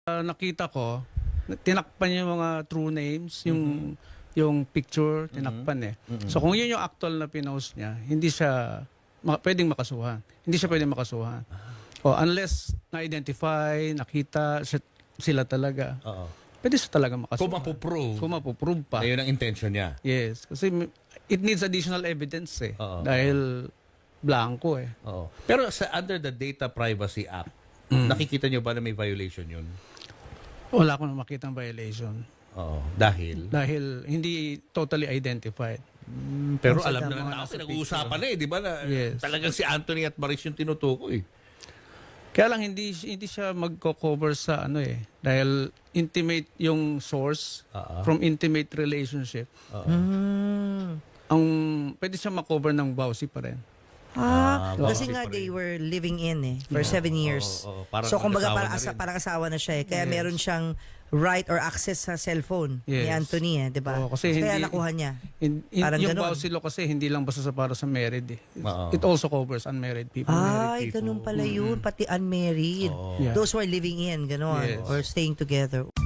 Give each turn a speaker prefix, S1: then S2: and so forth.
S1: nakita ko, tinakpan yung mga true names, yung picture, tinakpan eh. So kung yun yung actual na pinost niya, hindi siya pwedeng makasuhan. Hindi siya pwedeng makasuhan. O unless na-identify, nakita sila talaga.
S2: Oo.
S1: Pwede siya talaga makasuhan.
S2: Kung mapoprove.
S1: Kung mapoprove pa.
S2: Ayun ang intention niya.
S1: Yes. Kasi it needs additional evidence eh.
S2: Oo.
S1: Dahil blanco eh.
S2: Oo. Pero under the Data Privacy Act, nakikita niyo ba na may violation yun?
S1: Wala akong makitang violation.
S2: Oo. Dahil?
S1: Dahil hindi totally identified.
S2: Pero
S1: Kasi
S2: alam na
S1: mga
S2: ng tao,
S1: nasa
S2: pinag-uusapan na eh, di ba? Na,
S1: Yes.
S2: Talagang si Anthony at Maris yung tinutukoy.
S1: Kaya lang hindi siya magko-cover sa ano eh. Dahil intimate yung source from intimate relationship. Ang pwede siya makover ng BAUSI pa rin.
S3: Kasi
S2: bakit
S3: nga
S2: pa rin?
S3: they were living in for 7 years.
S2: Oo, parang
S3: so kumbaga
S2: nag-asawa na rin.
S3: parang asawa na siya eh. Kaya
S1: Yes.
S3: meron siyang right or access sa cellphone ni
S1: Yes.
S3: Anthony eh, 'di ba?
S1: Oo, kasi
S3: Kaya
S1: hindi-
S3: nakuha niya. Parang
S1: Yung
S3: ganun.
S1: BAUSI law kasi hindi lang basta sa para sa married eh.
S2: Oo.
S1: It also covers unmarried people.
S3: Ay, ganun pala yun. Pati unmarried.
S1: Yeah.
S3: Those who are living in, gano'n.
S1: Yes.
S3: Or staying together.